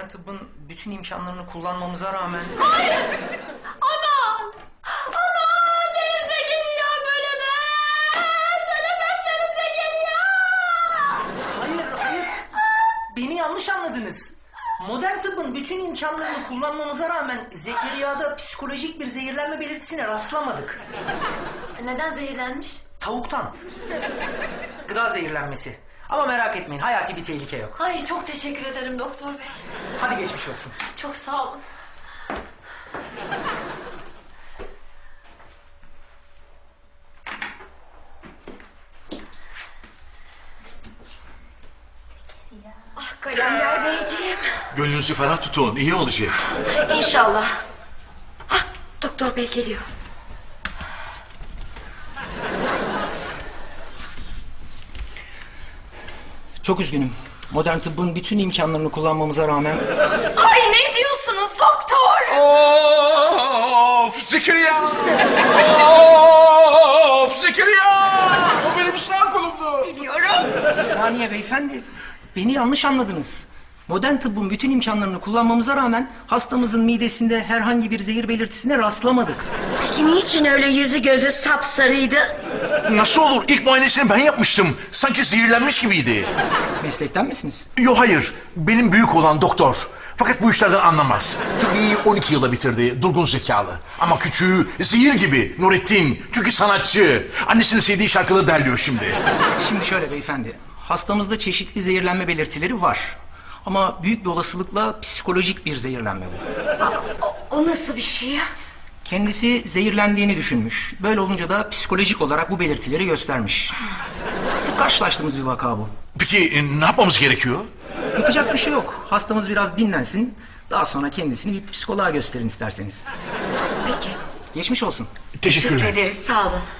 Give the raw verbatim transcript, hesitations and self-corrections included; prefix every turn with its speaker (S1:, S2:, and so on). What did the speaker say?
S1: tıbbın bütün imkanlarını kullanmamıza rağmen...
S2: Hayır! Aman! Aman! Denize geliyor bölüme! Söylemezsenize geliyor!
S1: Hayır, hayır. Beni yanlış anladınız. Modern tıbbın bütün imkanlarını kullanmamıza rağmen Zekeriya'da psikolojik bir zehirlenme belirtisine rastlamadık.
S2: Neden zehirlenmiş?
S1: Tavuktan. Gıda zehirlenmesi. Ama merak etmeyin, hayati bir tehlike yok.
S2: Ay çok teşekkür ederim doktor bey.
S1: Hadi geçmiş olsun.
S2: Çok sağ olun. Ah Kalender beyciğim.
S3: Gönlünüzü ferah tutun, iyi olacak.
S2: İnşallah. Hah, doktor bey geliyor.
S1: Çok üzgünüm. Modern tıbbın bütün imkanlarını kullanmamıza rağmen...
S2: Ay ne diyorsunuz doktor?
S3: Of Zekeriya! Of Zekeriya! O benim sağ kolumdu.
S2: Biliyorum.
S1: Bir saniye beyefendi. Beni yanlış anladınız. Modern tıbbın bütün imkanlarını kullanmamıza rağmen hastamızın midesinde herhangi bir zehir belirtisine rastlamadık.
S2: Peki niçin öyle yüzü gözü sapsarıydı?
S3: Nasıl olur? İlk muayenesini ben yapmıştım. Sanki zehirlenmiş gibiydi.
S1: Meslekten misiniz?
S3: Yo hayır. Benim büyük olan doktor. Fakat bu işlerden anlamaz. Tıbbiyi on iki yıla bitirdi. Durgun zekalı. Ama küçüğü zehir gibi. Nurettin. Çünkü sanatçı. Annesinin sevdiği şarkıları derliyor şimdi.
S1: Şimdi şöyle beyefendi. Hastamızda çeşitli zehirlenme belirtileri var. Ama büyük bir olasılıkla psikolojik bir zehirlenme bu.
S2: O, o nasıl bir şey ya?
S1: Kendisi zehirlendiğini düşünmüş. Böyle olunca da psikolojik olarak bu belirtileri göstermiş. Sık karşılaştığımız bir vaka bu.
S3: Peki e, ne yapmamız gerekiyor?
S1: Yapacak bir şey yok. Hastamız biraz dinlensin. Daha sonra kendisini bir psikoloğa gösterin isterseniz.
S2: Peki.
S1: Geçmiş olsun.
S3: Teşekkürler.
S2: Teşekkür ederiz sağ olun.